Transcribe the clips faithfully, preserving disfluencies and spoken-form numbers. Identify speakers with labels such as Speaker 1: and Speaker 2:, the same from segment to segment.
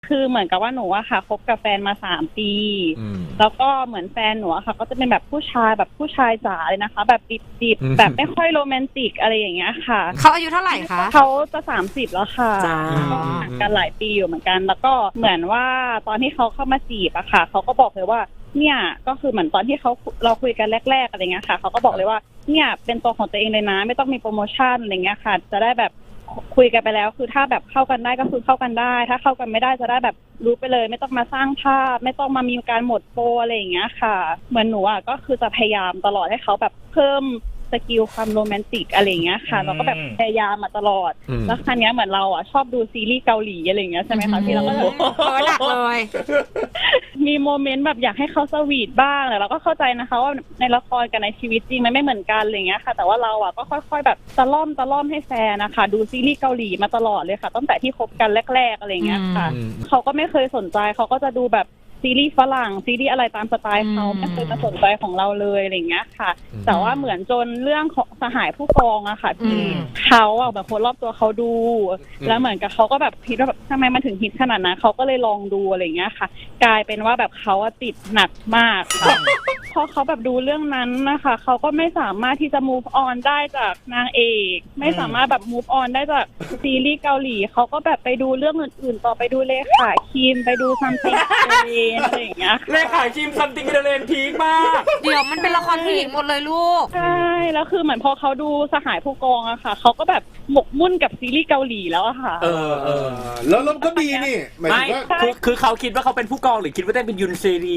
Speaker 1: คือเหมือนกับว่าหนูอะค่ะคบกับแฟนมาสามปีแล้วก็เหมือนแฟนหนูอะค่ะก็จะเป็นแบบผู้ชายแบบผู้ชายจ๋าเลยนะคะแบบดิบๆแบบไม่ค่อยโรแมนติกอะไรอย่างเงี้ยค่ะ
Speaker 2: เขาอายุเท่าไหร่คะ
Speaker 1: เขาจะสามสิบแล้วค่ะก็ห่างกันหลายปีอยู่เหมือนกันแล้วก็เหมือนว่าตอนที่เขาเข้ามาจีบอะค่ะเขาก็บอกเลยว่าเนี่ยก็คือเหมือนตอนที่เขาเราคุยกันแรกๆอะไรเงี้ยค่ะเขาก็บอกเลยว่าเนี่ยเป็นตัวของตัวเองเลยนะไม่ต้องมีโปรโมชั่นอะไรเงี้ยค่ะจะได้แบบคุยกันไปแล้วคือถ้าแบบเข้ากันได้ก็คือเข้ากันได้ถ้าเข้ากันไม่ได้จะได้แบบรู้ไปเลยไม่ต้องมาสร้างภาพไม่ต้องมามีการหมดโปรอะไรอย่างเงี้ยค่ะเหมือนหนูอ่ะก็คือจะพยายามตลอดให้เขาแบบเพิ่มสกิลความโรแมนติกอะไรอย่างเงี้ยค่ะเราก็แบบพยายามมาตลอดแล้วครั้งนี้เหมือนเราอ่ะชอบดูซีรีส์เกาหลีอะไรอย่างเงี้ยใช่ไหมคะที่เราก็
Speaker 2: หนักเลย
Speaker 1: มีโมเมนต์แบบอยากให้เขาสวีทบ้างแต่เราก็เข้าใจนะคะว่าในละครกับในชีวิตจริงมันไม่เหมือนกันอะไรอย่างเงี้ยค่ะแต่ว่าเราอ่ะก็ค่อยๆแบบตะล่อมตะล่อมให้แฟนนะคะดูซีรีส์เกาหลีมาตลอดเลยค่ะตั้งแต่ที่คบกันแรกๆอะไรอย่างเงี้ยค่ะเขาก็ไม่เคยสนใจเขาก็จะดูแบบซีรีส์ฝรั่งซีรีส์อะไรตามสไตล์เขาไม่เคยมาสนใจของเราเลยอะไรอย่างเงี้ยค่ะแต่ว่าเหมือนจนเรื่องของสหายผู้กองอะค่ะที่เขาอะแบบคนรอบตัวเขาดูแล้วเหมือนกับเขาก็แบบคิดว่าแบบทำไมมันถึงฮิตขนาดนั้นเขาก็เลยลองดูอะไรอย่างเงี้ยค่ะกลายเป็นว่าแบบเขาติดหนักมากค่ะพอเขาแบบดูเรื่องนั้นนะคะเขาก็ไม่สามารถที่จะ move on ได้จากนางเอกไม่สามารถแบบ move on ได้จากซีรีส์เกาหลีเขาก็แบบไปดูเรื่องอื่นๆต่อไปดูเลขาคิมไปดูซัมติงอะไรอย่างเงี้ย
Speaker 3: เลขาคิมซัมติงเดเลนพีคมาก
Speaker 2: เดี๋ยวมันเป็นละครผู้หญิงหมดเลยลูก
Speaker 1: ใช่แล้วคือเหมือนพอเขาดูสหายผู้กองอะค่ะเขาก็แบบหมกมุ่นกับซีรีส์เกาหลีแล้วอะค่ะ
Speaker 3: เออเออ
Speaker 4: แล้วแล้วก็ดีนี่หมายถึงว่า
Speaker 3: คือคือเขาคิดว่าเขาเป็นผู้กองหรือคิดว่าได้เป็นยุนเซรี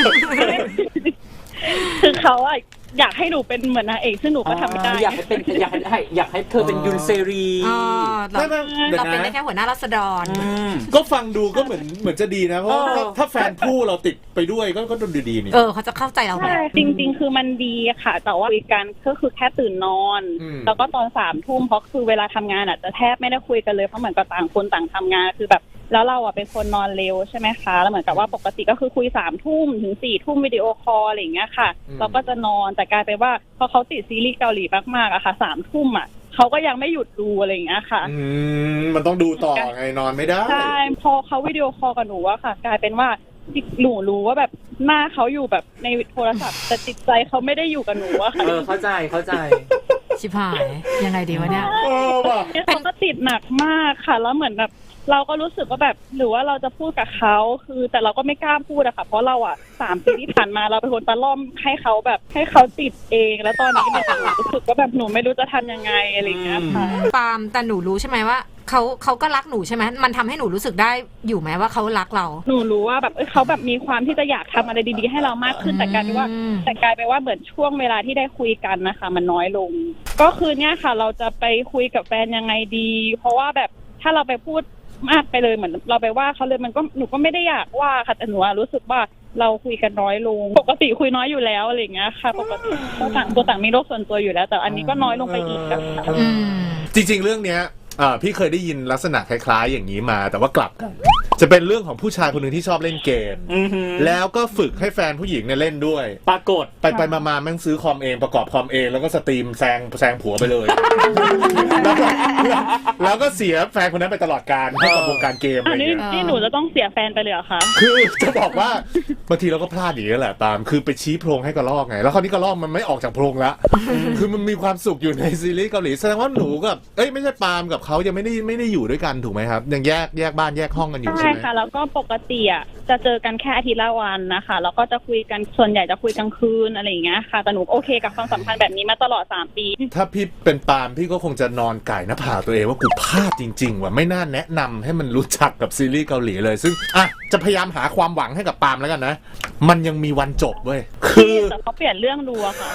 Speaker 1: คือเขาอะอยากให้หนูเป็นเหมือนนางเอกซึ่งหนูก็ทำไม่ได้
Speaker 3: อยากให้เป็นอยากให้อยากให้เธอเป็นยุนเซรี
Speaker 2: เราเราเป็นได้แค่หัวหน้ารัษฎร
Speaker 4: ก็ฟังดูก็เหมือนเหมือนจะดีนะเพราะถ้าแฟนผู้เราติดไปด้วยก็ก็ดูดีนี่
Speaker 2: เออเขาจะเข้าใจเรา
Speaker 1: ใช่จริงๆคือมันดีค่ะแต่ว่าคุยกันก็คือแค่ตื่นนอนแล้วก็ตอนสามทุ่มเพราะคือเวลาทำงานอ่ะจะแทบไม่ได้คุยกันเลยเพราะเหมือนกับต่างคนต่างทำงานคือแบบแล้วเราอ่ะเป็นคนนอนเร็วใช่ไหมคะแล้วเหมือนกับว่าปกติก็คือคุยสามทุ่มถึงสี่ทุ่มวิดีโอคอลอะไรอย่างเงี้ยค่ะเราก็จะนอนแต่กลายเป็นว่าพอเขาติดซีรีส์เกาหลีมากๆอะค่ะสามทุ่มอะเขาก็ยังไม่หยุดดูอะไรอย่างเงี้ยค่ะ
Speaker 4: อืมมันต้องดูต่อไงนอนไม่ได้
Speaker 1: ใช่พอเขาวิดีโอคอลกับหนูอะค่ะกลายเป็นว่าหนูรู้ว่าแบบหน้าเขาอยู่แบบในโทรศัพท์แต่จิตใจเขาไม่ได้อยู่กับหนูอะค่ะ
Speaker 3: เออเข้าใจเข้าใจ
Speaker 2: ชิบหายยังไงดีวะเนี่ย
Speaker 1: เขาก็ติดหนักมากค่ะแล้วเหมือนแบบเราก็รู้สึกว่าแบบหรือว่าเราจะพูดกับเขาคือแต่เราก็ไม่กล้าพูดอะค่ะเพราะเราอะสามปีที่ผ่านมาเราเป็นคนตะล่อมให้เขาแบบให้เขาติดเองแล้วตอนนี้มันรู้สึกว่าแบบหนูไม่รู้จะทำยังไงอะไรเงี้ยค่ะ
Speaker 2: ปาล์มแต่หนูรู้ใช่ไหมว่าเขาเขาก็รักหนูใช่ไหมมันทำให้หนูรู้สึกได้อยู่ไหมว่าเขารักเรา
Speaker 1: หนูรู้ว่าแบบเขาแบบมีความที่จะอยากทำอะไรดีๆให้เรามากขึ้นแต่กลายเป็นว่าแต่กลายเป็นว่าเหมือนช่วงเวลาที่ได้คุยกันนะคะมันน้อยลงก็คือเนี่ยค่ะเราจะไปคุยกับแฟนยังไงดีเพราะว่าแบบถ้าเราไปพูดมากไปเลยเหมือนเราไปว่าเขาเลยมันก็หนูก็ไม่ได้อยากว่าค่ะแต่หนูรู้สึกว่าเราคุยกันน้อยลงปกติคุยน้อยอยู่แล้วอะไรอย่างเงี้ยค่ะปกติตัวต่างตัวต่างมีโลกส่วนตัวอยู่แล้วแต่อันนี้ก็น้อยลงไปอีกค่ะ
Speaker 4: จริงๆเรื่องเนี้ยพี่เคยได้ยินลักษณะคล้ายๆอย่างนี้มาแต่ว่ากลับกันจะเป็นเรื่องของผู้ชายคนหนึ่งที่ชอบเล่นเกมแล้วก็ฝึกให้แฟนผู้หญิงเนี่ยเล่นด้วย
Speaker 3: ปรากฏ
Speaker 4: ไปไปมาๆแม่งซื้อคอมเองประกอบคอมเองแล้วก็สตรีมแซงแซงผัวไปเลยแล้วก็แล้วก็เสียแฟนคนนั้นไปตลอดกาลให้กับวงการเกมอะไรอย่างเงี้ย
Speaker 1: นี่หนูจะต้องเสียแฟนไปเลยเหรอคะ
Speaker 4: คือจะบอกว่าบางทีเราก็พลาดอย่างนี้แหละตามคือไปชี้โพรงให้กระรอกไงแล้วคราวนี้กระรอกมันไม่ออกจากโพรงละคือมันมีความสุขอยู่ในซีรีส์เกาหลีแสดงว่าหนูกับเอ้ยไม่ใช่ปาล์มกับเขายังไม่ได้ไม่ได้อยู่ด้วยกันถูกไหมครับยังแยกแยกบ้านแยกห้องกันอยู่ใช่ไหม
Speaker 1: ใช่ค่ะแล้วก็ปกติอ่ะจะเจอกันแค่อาทิตย์ละวันนะคะแล้วก็จะคุยกันส่วนใหญ่จะคุยกลางคืนอะไรอย่างเงี้ยค่ะแต่หนูโอเคกับความสัมพันธ์แบบนี้มาตลอดสามปี
Speaker 4: ถ้าพี่เป็นปาล์มพี่ก็คงจะนอนไก่หน้าผากตัวเองว่ากูพลาดจริงๆว่ะไม่น่าแนะนำให้มันรู้จักกับซีรีส์เกาหลีเลยซึ่งอ่ะจะพยายามหาความหวังให้กับปาล์มแล้วกันนะมันยังมีวันจบเว้ยคือ
Speaker 1: แต่เขาเปลี่ยนเรื่องดูอะค่ะ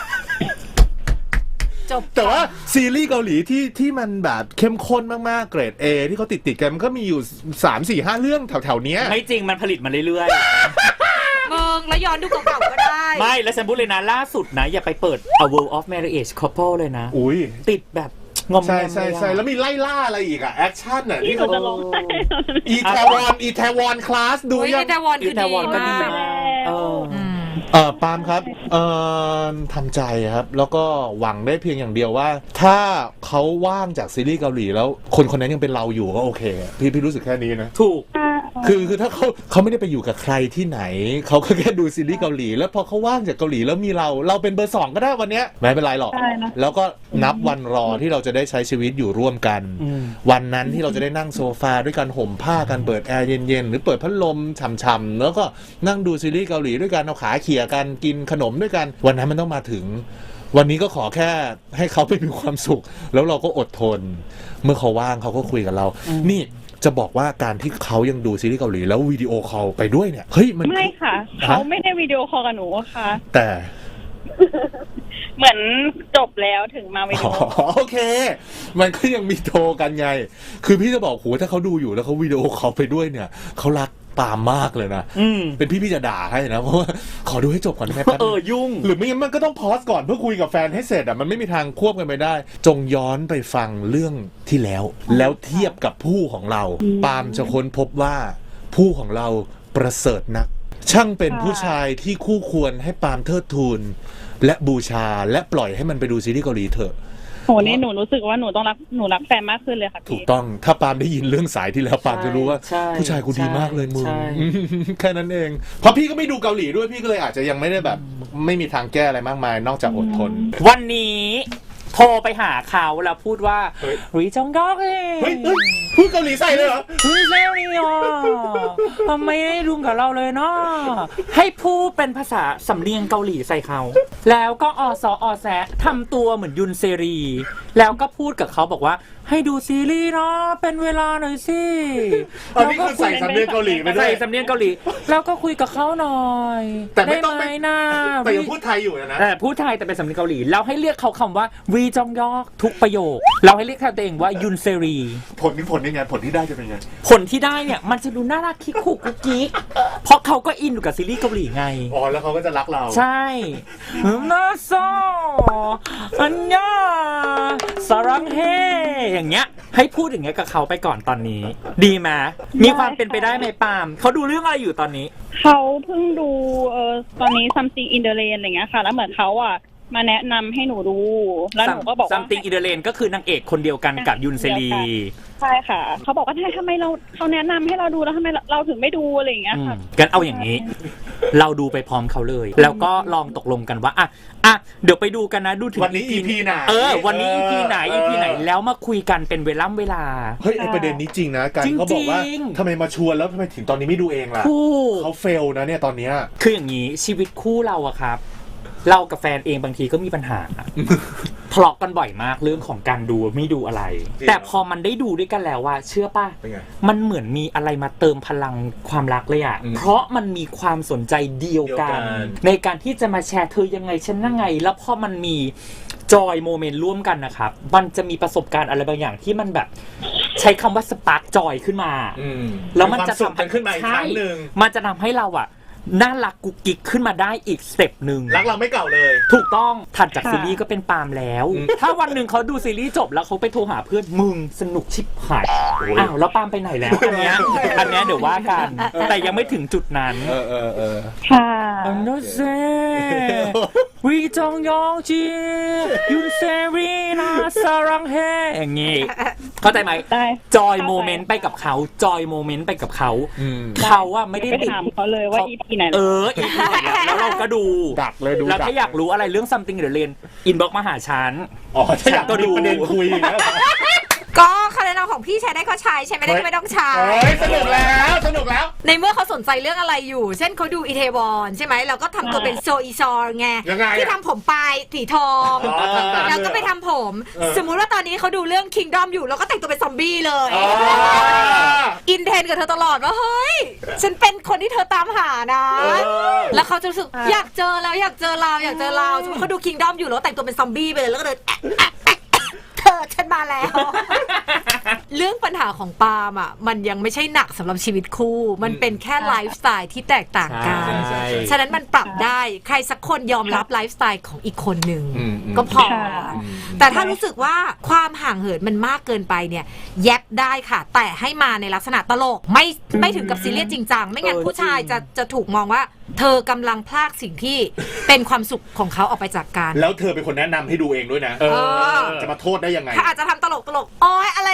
Speaker 4: แต่ว่าซีรีส์เกาหลีที่ที่มันแบบเข้มข้นมากๆเกรด A ที่เขาติดติดกันมันก็มีอยู่ สาม สี่ ห้า เรื่องแถวๆเนี้ย
Speaker 3: ไม่จริงมันผลิตมาเรื่อย
Speaker 2: ๆมึงแล้วย้อนดูเก่าๆก็ได้
Speaker 3: ไม่แล้วฉันพูดเลยนะล่าสุดนะอย่าไปเปิด A World of Marriage Couple เลยนะ
Speaker 4: อุ้ย
Speaker 3: ติดแบบงอม
Speaker 4: ใช่ใช่ใช่แล้วมีไล่ล่าอะไรอีกอะแอคชั่นอะ
Speaker 1: ที่เขาจะลง
Speaker 4: อีแทวอนอีแทวอนคลาสดู
Speaker 2: ยังอีแทวอนคือดีมาก
Speaker 4: เออเออปาล์มครับเอ่อทำใจครับแล้วก็หวังได้เพียงอย่างเดียวว่าถ้าเขาว่างจากซีรีส์เกาหลีแล้วคนคนนั้นยังเป็นเราอยู่ก็โอเคพี่พี่รู้สึกแค่นี้นะ
Speaker 3: ถูก
Speaker 1: โอ
Speaker 4: คือคือถ้าเขาเขาไม่ได้ไปอยู่กับใครที่ไหนเขาก็แค่ดูซีรีส์เกาหลีแล้วพอเขาว่างจากเกาหลีแล้วมีเราเราเป็นเบอร์สองก็ได้วันเนี้ยไม่เป็นไรหรอกแล้วก็นับวันรอที่เราจะได้ใช้ชีวิตอยู่ร่วมกันวันนั้นที่เราจะได้นั่งโซฟาด้วยกันห่มผ้ากันเปิดแอร์เย็นๆหรือเปิดพัดลมฉ่ำๆแล้วก็นั่งดูซีรีส์เกาหลีด้วยกันเอาขาเขี่ยกันกินขนมด้วยกันวันนั้นมันต้องมาถึงวันนี้ก็ขอแค่ให้เขาไปมีความสุขแล้วเราก็อดทนเมื่อเขาว่างเขาก็คุยกับเรานี่จะบอกว่าการที่เขายังดูซีรีส์เกาหลีแล้ววิดีโอคอลไปด้วยเนี่ยเฮ้ยมัน
Speaker 1: ไม่ค่ะเขาไม่ได้วิดีโอคอลกับหนูค่ะ
Speaker 4: แต่
Speaker 1: เหมือนจบแล้วถึงมาวิดีโอ
Speaker 4: โอเคมันก็ยังมีโทรกันไงคือพี่จะบอกโหถ้าเขาดูอยู่แล้วเขาวิดีโอคอลไปด้วยเนี่ยเขารักปามมากเลยนะเป็นพี่พี่จะด่าให้นะเพราะว่าขอดูให้จบก่อนได้ไหม
Speaker 3: เออยุ่ง
Speaker 4: หรือไม่งั้นมันก็ต้องพอสก่อนเพื่อคุยกับแฟนให้เสร็จอ่ะมันไม่มีทางควบกันไปได้จงย้อนไปฟังเรื่องที่แล้วแล้วเทียบกับผู้ของเราปามจะค้นพบว่าผู้ของเราประเสริฐนักช่างเป็นผู้ชายที่คู่ควรให้ปามเทิดทูนและบูชาและปล่อยให้มันไปดูซีรีส์เกาหลีเถอะ
Speaker 1: โหนี่หนูรู้สึกว่าหนูต้องรักหนูรักแฟนมากขึ้นเลยค่ะพี่
Speaker 4: ถูกต้องถ้าปามได้ยินเรื่องสายที่แล้วปามจะรู้ว่าผู้ชายกูดีมากเลยมึงแค่นั้นเองเพราะพี่ก็ไม่ดูเกาหลีด้วยพี่ก็เลยอาจจะยังไม่ได้แบบไม่มีทางแก้อะไรมากมายนอกจากอดทน
Speaker 3: วันนี้โทรไปหาเขาแล้วพูดว่ารีจงก็เฮ้
Speaker 4: ยพูดเกาหลีใส่เลยเหรอ
Speaker 3: พูดเร็วนี่อ่ะทำไมไม่รุมกับเราเลยเนาะให้พูดเป็นภาษาสำเนียงเกาหลีใส่เขาแล้วก็อสอแซะทำตัวเหมือนยุนเซรีแล้วก็พูดกับเขาบอกว่าให้ดูซีรีส์เนาะเป็นเวลาหน่อยสิ
Speaker 4: เราก็ใส่สำเนียงเกาหลีไปด้วย
Speaker 3: ใส่สำเนียงเกาหลีแล้วก็คุยกับเขาหน่อย
Speaker 4: แต่ไม่ต้องไป
Speaker 3: นะ
Speaker 4: แต่ยังพูดไทยอยู่นะ
Speaker 3: แต่พูดไทยแต่เป็นสำเนียงเกาหลีแล้วให้เรียกเขาคำว่าวีจองยอกทุกประโยคเราให้เรียกตัวเองว่ายุนเซรี
Speaker 4: ผลนี่ผลนี่ไงผลที่ได้จะเป็นไง
Speaker 3: ผลที่ได้เนี่ยมันจะดูน่ารักคิกคุกกุ๊กกิ๊กเพราะเขาก็อินอยู่กับซีรีส์เกาหลีไง
Speaker 4: อ๋อแล้วเขาก็จะรักเรา
Speaker 3: ใช่น่าโซอันยาสรังเฮอย่างเงี้ยให้พูดอย่างเงี้ยกับเขาไปก่อนตอนนี้ดีไหมมีความเป็นไปได้ไหมปาล์มเขาดูเรื่องอะไรอยู่ตอนนี้
Speaker 1: เขาเพิ่งดูเออตอนนี้ something in the rain อะไรเงี้ยค่ะแล้วเหมือนเขาอ่ะมาแนะนำให้หนูดูแล้วหนูก็บอกว่า
Speaker 3: something in the rain ก็คือนางเอกคนเดียวกันกับยุนเซรี
Speaker 1: ใช่ค่ะเขาบอกว่าทำไมเราเขาแนะนำให้เราดูแล้วทำไมเราถึงไม่ดูอะไรอย่างเงี้ยค่ะ
Speaker 3: กันเอาอย่างนี้เราดูไปพร้อมเขาเลยแล้วก็ลองตกลงกันว่าอ่ะอ่ะเดี๋ยวไปดูกันนะดูถึง
Speaker 4: วันนี้ อี พี ไหน
Speaker 3: เออวันนี้ อี พี ไหน อี พี ไหนแล้วมาคุยกันเป็นเวลาเวลา
Speaker 4: เฮ้ยไอประเด็นนี้จริงนะกันเขาบอกว่าทำไมมาชวนแล้วทำไมถึงตอนนี้ไม่ดูเองล่ะเขาเฟลนะเนี่ยตอนเนี้ย
Speaker 3: คืออย่างนี้ชีวิตคู่เราอะครับเรากับแฟนเองบางทีก็มีปัญหาทะเลาะกันบ่อยมากเรื่องของการดูไม่ดูอะไรแต่พอมันได้ดูด้วยกันแล้วว่าเชื่อป่ะมันเหมือนมีอะไรมาเติมพลังความรักเลยอ่ะเพราะมันมีความสนใจเดียวกันในการที่จะมาแชร์เธอยังไงฉันยังไงแล้วพอมันมีจอยโมเมนต์ร่วมกันนะครับมันจะมีประสบการณ์อะไรบางอย่างที่มันแบบใช้คำว่าสปาร์กจอยขึ้นมาแล้วมันจะทำให้
Speaker 4: ขึ้นมาอีกครั้งนึง
Speaker 3: มันจะทำให้เราอ่ะน่ารักกุ๊กกิ๊กขึ้นมาได้อีกสเต็ปหนึ่ง
Speaker 4: รักเราไม่เก่าเลย
Speaker 3: ถูกต้องถัดจากซีรีส์ก็เป็นปาล์มแล้วถ้าวันหนึ่งเขาดูซีรีส์จบแล้วเขาไปโทรหาเพื่อนมึงสนุกชิบหายอ้าวแล้วปาล์มไปไหนแล้วอันเนี้ยอันเนี้ยเดี๋ยวว่ากันแต่ยังไม่ถึงจุดนั้น
Speaker 4: เออเออเออ
Speaker 1: ค่ะ
Speaker 3: อันนั้นเซวีจองยองจียุนเซรีนาสรังเฮอย่างงี้เข้าใจไหมจอยโมเมนต์ไปกับเขาจอยโมเมนต์ไปกับเขาเขาว่าไม่ได้
Speaker 1: ถามเขาเลยว่า อี พี ไหน
Speaker 3: เออ อี พี ไหนแล้วเราก็ดู
Speaker 4: ดักเลยดู
Speaker 3: แล้วถ้าอยากรู้อะไรเรื่อง something in the rain อินบ็อกซ์มาหาฉัน
Speaker 4: อ๋อถ้าอยากก็ดูประเด็นคุยนะ
Speaker 2: ก็คะแนนของพี่ใช้ได้ก็ใช้ใช้ไม่ได้ก็ไม่ต้องใช้
Speaker 4: สนุกแล้วสนุกแล้ว
Speaker 2: ในเมื่อเขาสนใจเรื่องอะไรอยู่เช่นเขาดูอีเทวอนใช่ไหมเราก็ทำตัวเป็นโซอีซอร์ไงที่ทำผมปลายสีทองแล้วก็ไปทำผมสมมุติว่าตอนนี้เขาดูเรื่อง Kingdom อยู่เราก็แต่งตัวเป็นซอมบี้เลยอินเทนกับเธอตลอดว่าเฮ้ยฉันเป็นคนที่เธอตามหานะแล้วเขาจะรู้สึกอยากเจอแล้วอยากเจอเราอยากเจอเราสมมติเขาดู Kingdom อยู่แล้วแต่งตัวเป็นซอมบี้ไปเลยแล้วก็เดินเธอฉันมาแล้วเรื่องปัญหาของปาล์มอ่ะมันยังไม่ใช่หนักสำหรับชีวิตคู่มันเป็นแค่ไลฟ์สไตล์ที่แตกต่างกันฉะนั้นมันปรับได้ใครสักคนยอมรับไลฟ์สไตล์ของอีกคนหนึ่งก็พอแต่ถ้ารู้สึกว่าความห่างเหินมันมากเกินไปเนี่ยแยบได้ค่ะแต่ให้มาในลักษณะตลกไม่ไม่ถึงกับซีเรียสจริงจังไม่งั้นผู้ชายจะจะถูกมองว่าเธอกำลังพลากสิ่งที่เป็นความสุขของเขาออกไปจากกัน
Speaker 4: แล้วเธอเป็นคนแนะนำให้ดูเองด้วยนะจะมาโทษได้ยังไง
Speaker 2: ถ้าอาจจะทำตลกตลกโอ๊ยอะไรก็ซีรี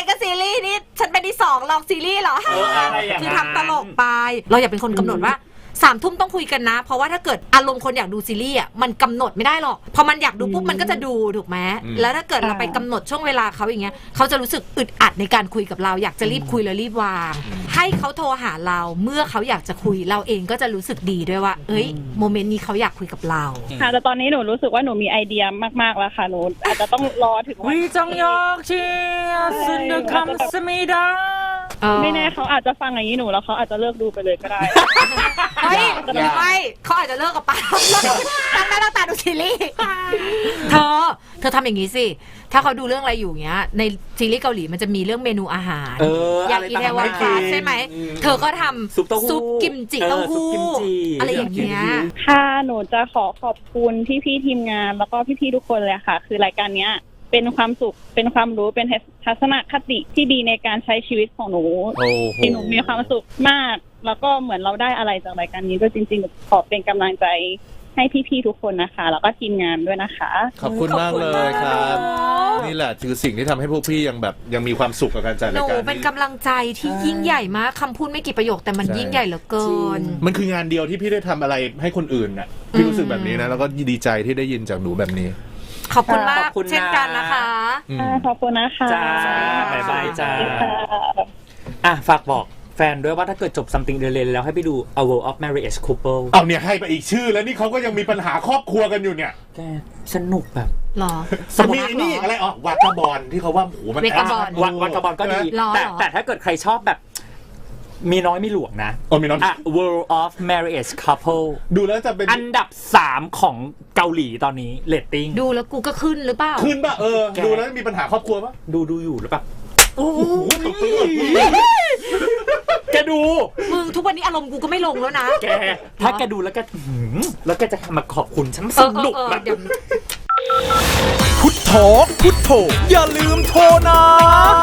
Speaker 2: รีส์นี่ฉันเป็นที่สองลองซีรีส์เหรอ
Speaker 3: เอออะไรอย่างนั้น
Speaker 2: คือทำตลกไป เราอย่าเป็นคนกำหนดว่าสามทุ่มต้องคุยกันนะ เพราะว่าถ้าเกิดอารมณ์คนอยากดูซีรีส์อ่ะมันกำหนดไม่ได้หรอกพอมันอยากดูปุ๊บมันก็จะดูถูกไหมแล้วถ้าเกิดเราไปกำหนดช่วงเวลาเขาอย่างเงี้ยเขาจะรู้สึกอึดอัดในการคุยกับเราอยากจะรีบคุยแล้วรีบวางให้เขาโทรหาเราเมื่อเขาอยากจะคุยเราเองก็จะรู้สึกดีด้วยว่าเอ้ยโมเมนต์นี้เขาอยากคุยกับเรา
Speaker 1: ค่ะแต่ตอนนี้หนูรู้สึกว่าหนูมีไอเดียมากๆแล้วค่ะหนูอาจจะต้องรอถึงวัน
Speaker 3: วิจังยอกเชียสุดคำสมิดา
Speaker 1: ไม่แน่เขาอาจจะฟังอย่างนี้หนูแล้วเขาอาจจะเลิกดูไปเลยก็ได้
Speaker 2: เฮ้ยหรือไม่เขาอาจจะเลิกกับป้าตั้งหน้าตั้งตาดูซีรีส์เธอเธอทำอย่างนี้สิถ้าเขาดูเรื่องอะไรอยู่เงี้ยในซีรีส์เกาหลีมันจะมีเรื่องเมนูอาหาร
Speaker 3: เออ
Speaker 2: อย่างอีเทวาฟ้าใช่ไหมเธอก็ทำ
Speaker 3: ซุปเต้าหู้
Speaker 2: ซุปกิมจิเต้าหู้
Speaker 3: เออซุปกิมจิ
Speaker 2: อะไรอย่างเงี้ย
Speaker 1: ค่ะหนูจะขอขอบคุณพี่พี่ๆทีมงานแล้วก็พี่พี่ๆทุกคนเลยค่ะ คือรายการเนี้ยเป็นความสุขเป็นความรู้เป็นทัศนคติที่ดีในการใช้ชีวิตของหนู
Speaker 4: โอ้โห
Speaker 1: ที่หนูมีความสุขมาก แล้วก็เหมือนเราได้อะไรจากรายการนี้ด้วยจริงๆขอเป็นกำลังใจให้พี่ๆทุกคนนะคะ แล้วก็ทีมงานด้วยนะคะ
Speaker 4: ขอบคุณมากเลยครับ นี่แหละคือสิ่งที่ทำให้พวกพี่ยังแบบยังมีความสุขกับการจัด
Speaker 2: ห
Speaker 4: ราย
Speaker 2: นู
Speaker 4: การ
Speaker 2: เป็น
Speaker 4: นี้
Speaker 2: กำลังใจที่ยิ่งใหญ่มากคำพูดไม่กี่ประโยคแต่มัน
Speaker 4: ใช่
Speaker 2: ยิ่งใหญ่เหลือเกิน
Speaker 4: มันคืองานเดียวที่พี่ได้ทำอะไรให้คนอื่นน่ะพี่รู้สึกแบบนี้นะแล้วก็ดีใจที่ได้ยินจากหนูแบบนี้
Speaker 2: ขอบคุณมา
Speaker 3: ข
Speaker 2: ก
Speaker 3: อบคุณนะ
Speaker 2: เช่นกันนะคะ
Speaker 4: อืม
Speaker 1: อ่าขอบคุณนะคะ
Speaker 3: จ้าบ๊ายบายจ้า
Speaker 1: สวัสดีค่ะ
Speaker 3: อ่ะฝากบอกแฟนด้วยว่าถ้าเกิดจบ something เดลนแล้วให้ไปดู A World of Marriage Couple
Speaker 4: เอาเนี่ยให้ไปอีกชื่อแล้วนี่เขาก็ยังมีปัญหาครอบครัวกันอยู่เนี่ย
Speaker 3: แกสนุกแบบ
Speaker 2: หรอ
Speaker 4: สมีนี่อะไรอ๋อวากาบอลที่เขาว่าโหมัน
Speaker 2: เวกาบอล
Speaker 3: วันวันกระบอลก็ดี
Speaker 2: หรอ
Speaker 3: แต่
Speaker 2: หรอ
Speaker 3: แต่ถ้าเกิดใครชอบแบบ มีน้อยมีหลวงนะ
Speaker 4: โอ้มีน้อง
Speaker 3: อ่ะ World of Marriage Couple
Speaker 4: ดูแล้วจะเป็น
Speaker 3: อันดับสามของเกาหลีตอนนี้เรตติ้ง
Speaker 2: ดูแล้วกูก็ขึ้นหรือเปล่า
Speaker 4: ขึ้นป่ะเออ
Speaker 3: แก
Speaker 4: ดูแล้วมีปัญหาครอบครัวป่ะ
Speaker 3: ดูดูอยู่หรือเปล่า
Speaker 2: โอ้โห
Speaker 3: แกดู
Speaker 2: มึงทุกวันนี้อารมณ์กูก็ไม่ลงแล้วนะ
Speaker 3: แก ถ้าแกดูแล้วแกอื้อหือแล้วแกจะมาขอบคุณฉัน
Speaker 2: เอ
Speaker 3: ส
Speaker 2: อเอ
Speaker 3: นุ
Speaker 2: อก เออ
Speaker 3: แบบ
Speaker 2: เดี๋ยว
Speaker 5: พุทโธพุทโธอย่าลืมโทรนะ